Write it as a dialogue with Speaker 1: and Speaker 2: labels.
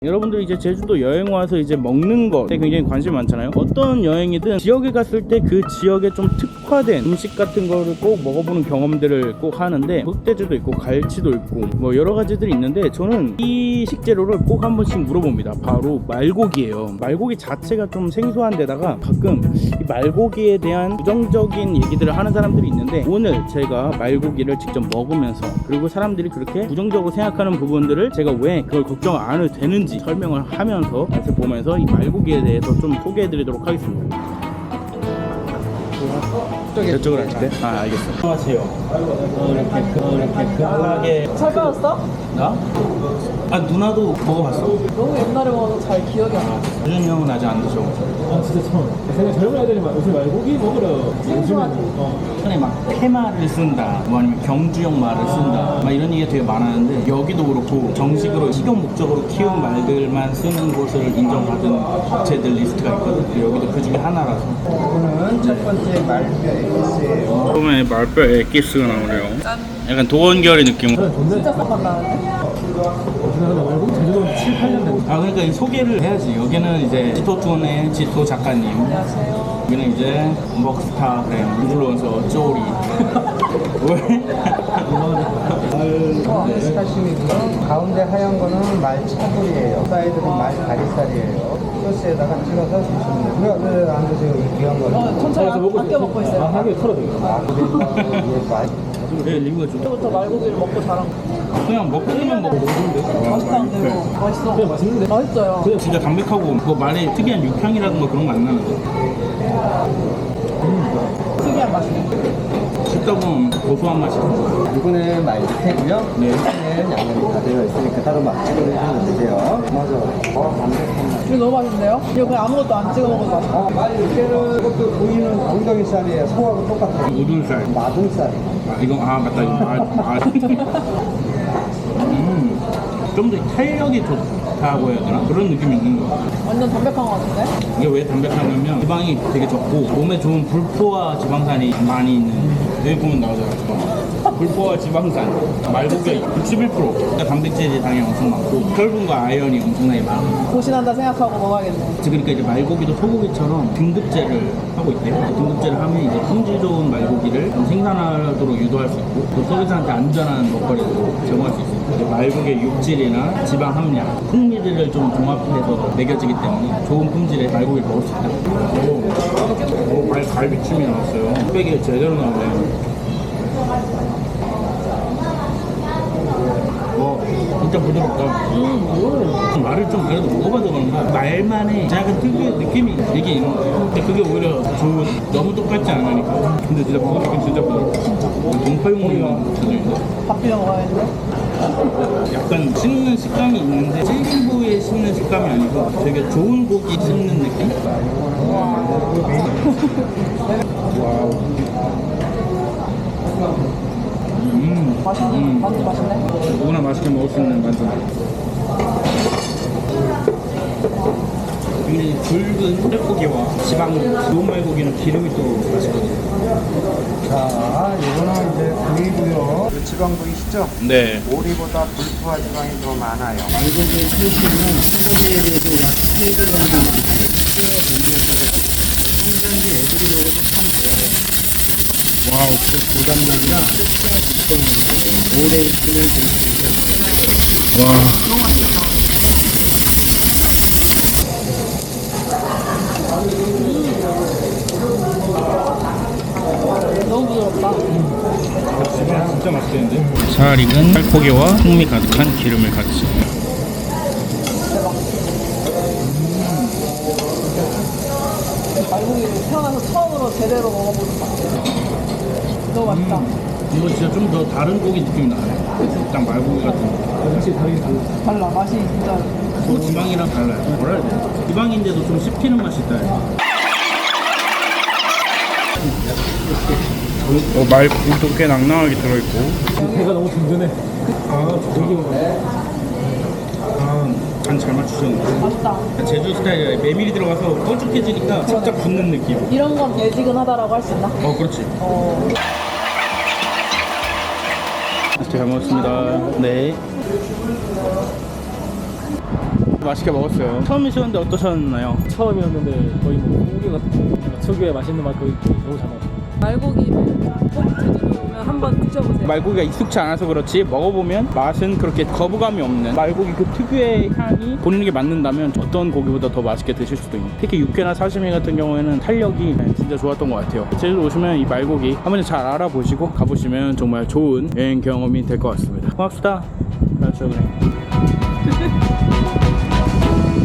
Speaker 1: 여러분들 이제 제주도 여행 와서 이제 먹는 것에 굉장히 관심이 많잖아요. 어떤 여행이든 지역에 갔을 때 그 지역에 좀 특화된 음식 같은 거를 꼭 먹어보는 경험들을 꼭 하는데, 흑돼지도 있고 갈치도 있고 뭐 여러 가지들이 있는데, 저는 이 식재료를 꼭 한 번씩 물어봅니다. 바로 말고기예요. 말고기 자체가 좀 생소한 데다가 가끔 이 말고기에 대한 부정적인 얘기들을 하는 사람들이 있는데, 오늘 제가 말고기를 직접 먹으면서, 그리고 사람들이 그렇게 부정적으로 생각하는 부분들을 제가 왜 그걸 걱정 안 해도 되는지 설명을 하면서 맛을 보면서 이 말고기에 대해서 좀 소개해 드리도록 하겠습니다. 저쪽으로 앉을래? 아, 알겠어. 안녕하세요. 이렇게 급하게.
Speaker 2: 잘 빠졌어?
Speaker 1: 나? 아, 누나도 먹어봤어.
Speaker 2: 너무 옛날에 먹어서 잘 기억이 안 나.
Speaker 1: 유준 형은 아직 안 드셔보죠.
Speaker 3: 아 진짜 처음. 생각 젊은 애들이 요새 말고기 먹으러 요즘에는
Speaker 1: 전에 막 테마를 쓴다, 뭐 아니면 경주형 말을 쓴다, 막 이런 얘기가 되게 많았는데, 여기도 그렇고 정식으로 식용 목적으로 키운 말들만 쓰는 곳을 인정받은 업체들 리스트가 있거든. 여기도 그 중에 하나라서.
Speaker 4: 이거는 첫 번째 말뼈 에기스예요.
Speaker 1: 처음에 말뼈 엑기스가 나오네요. 약간 도원결의 느낌.
Speaker 2: 진짜 싹만 나는데?
Speaker 3: 지나가다 말고기 제주도 7, 8년 된
Speaker 1: 아, 그러니까 이 소개를 해야지. 여기는 이제 지토툰의 지토 작가님,
Speaker 2: 안녕하세요.
Speaker 1: 여기는 이제 먹스타그램 인플루언서 쪼리. 왜?
Speaker 4: 사시미고요. 가운데 하얀 거는 말 차돌이에요. 사이드는 말 다리살이에요. 소스에다가 찍어서 드시면 돼요. 왜안 드세요? 이 귀한 거를.
Speaker 2: 천천히 아껴 먹고 있어요.
Speaker 3: 하게 털어줘요.
Speaker 4: 이게 말.
Speaker 1: 왜 리뷰가 좋다?
Speaker 2: 그때부터 말고기를 먹고 자란 거.
Speaker 1: 그냥 먹기만 먹고
Speaker 2: 맛있다는데 이거. 맛있어.
Speaker 3: 그냥 맛있는데?
Speaker 2: 맛있어요.
Speaker 1: 진짜 담백하고 그 말에 특이한 육향이라든가 그런 거 안 나는데,
Speaker 2: 특이한 맛이네.
Speaker 1: 씹다 보면 고소한 맛이 있어.
Speaker 4: 이거는 말 밑에고요.
Speaker 1: 네.
Speaker 4: 밑에는 양념이 다 들어있으니까 따로 막 찍어 드시면 되세요. 맞아. 담백한 맛.
Speaker 2: 이거 너무 맛있는데요? 이거 그냥 아무것도 안 찍어 먹어도 맛있어.
Speaker 4: 말 밑에는 이것도 보이는 엉덩이 살이에요. 소하고 똑같아요.
Speaker 1: 우둔살.
Speaker 4: 마등살.
Speaker 1: 아, 이거 맞다. 이거 좀 더 탄력이 좋다고 해야 되나? 그런 느낌이 있는 거 같아.
Speaker 2: 완전 담백한 거 같은데?
Speaker 1: 이게 왜 담백하냐면 지방이 되게 적고 몸에 좋은 불포화 지방산이 많이 있는, 여기 보면 나오잖아. 불포화 지방산 말고기가 61%. 그러니까 단백질이 당연히 엄청 많고 혈분과 아연이 엄청나게 많아.
Speaker 2: 고신한다 생각하고 먹어야겠네.
Speaker 1: 그러니까 이제 말고기도 소고기처럼 등급제를 하고 있대요. 등급제를 하면 이제 품질 좋은 말고기를 좀 생산하도록 유도할 수 있고, 또 소비자한테 안전한 먹거리도 제공할 수 있어요. 이제 말고기의 육질이나 지방 함량, 풍미들을 좀 종합해서 매겨지기 때문에 좋은 품질의 말고기를 먹을 수 있다. 오, 갈비찜이 나왔어요. 흑백이 제대로 나오네. 진짜 부드럽다. 말을 좀 그래도 먹어봐서 그런가 말만의 약간 특유의 느낌이 되게 있는 거예요. 근데 그게 오히려 좋은, 너무 똑같지 않으니까. 근데 진짜 부드럽긴 진짜 부드럽다. 동파육물이랑 붙여져있는데
Speaker 2: 밥 비벼 먹어야겠네.
Speaker 1: 약간 씹는 식감이 있는데 질긴 부위에 씹는 식감이 아니고 되게 좋은 고기 씹는 느낌? 와우.
Speaker 2: 맛있네. 만두 맛있네.
Speaker 1: 누구나 맛있게 먹을 수 있는 만두. 굉장히 굵은 살코기와 지방 좋은 말고기는 기름이 또 맛있거든요.
Speaker 4: 자, 이거는 이제 구이고요. 지방 보이시죠?
Speaker 1: 네.
Speaker 4: 오리보다 불포화 지방이 더 많아요.
Speaker 1: 말고기의 칼슘은 소고기에 비해서 약 3배 정도 높아요. 성장기 애들이 먹어도 참 좋아해요. 와우, 진짜 고단백이라 오래 있으면 되게 와.
Speaker 2: 너무 부드럽다.
Speaker 1: 진짜 맛있겠는데? 잘 익은 살코기와 풍미 가득한 기름을 같이.
Speaker 2: 말고기를 태어나서 처음으로 제대로 먹어보는 맛. 너무 맛있다.
Speaker 1: 이거 진짜 좀 더 다른 고기 느낌이 나네. 딱 말고기 같은 거.
Speaker 3: 확실히 다르긴 달라.
Speaker 2: 달라. 맛이 진짜.
Speaker 1: 또 지방이랑 달라요. 뭐라 해야 돼? 지방인데도 좀 씹히는 맛이 있다. 말고기도 꽤 낭낭하게 들어있고.
Speaker 3: 배가 너무 든든해. 아, 고기 먹어.
Speaker 1: 간 잘 맞추셨네.
Speaker 2: 맛있다.
Speaker 1: 제주 스타일이라 메밀이 들어가서 꼴쭉해지니까 살짝 붙는 느낌.
Speaker 2: 이런 건 예지근하다라고 할 수 있나?
Speaker 1: 그렇지.
Speaker 2: 어.
Speaker 1: 잘 먹었습니다. 네. 맛있게 먹었어요. 처음이셨는데 어떠셨나요?
Speaker 3: 처음이었는데 거의 뭐 소고기 같은 특유의 맛있는 맛도 있고 너무 잘 먹었어요.
Speaker 2: 말고기는 꼭 제주도 오면 한번 드셔보세요.
Speaker 1: 말고기가 익숙치 않아서 그렇지 먹어보면 맛은 그렇게 거부감이 없는 말고기 그 특유의 향이 본인에게 맞는다면 어떤 고기보다 더 맛있게 드실 수도 있는, 특히 육회나 사시미 같은 경우에는 탄력이 진짜 좋았던 것 같아요. 제주도 오시면 이 말고기 한번 잘 알아보시고 가보시면 정말 좋은 여행 경험이 될 것 같습니다. 고맙습니다. 그렇죠, 그래.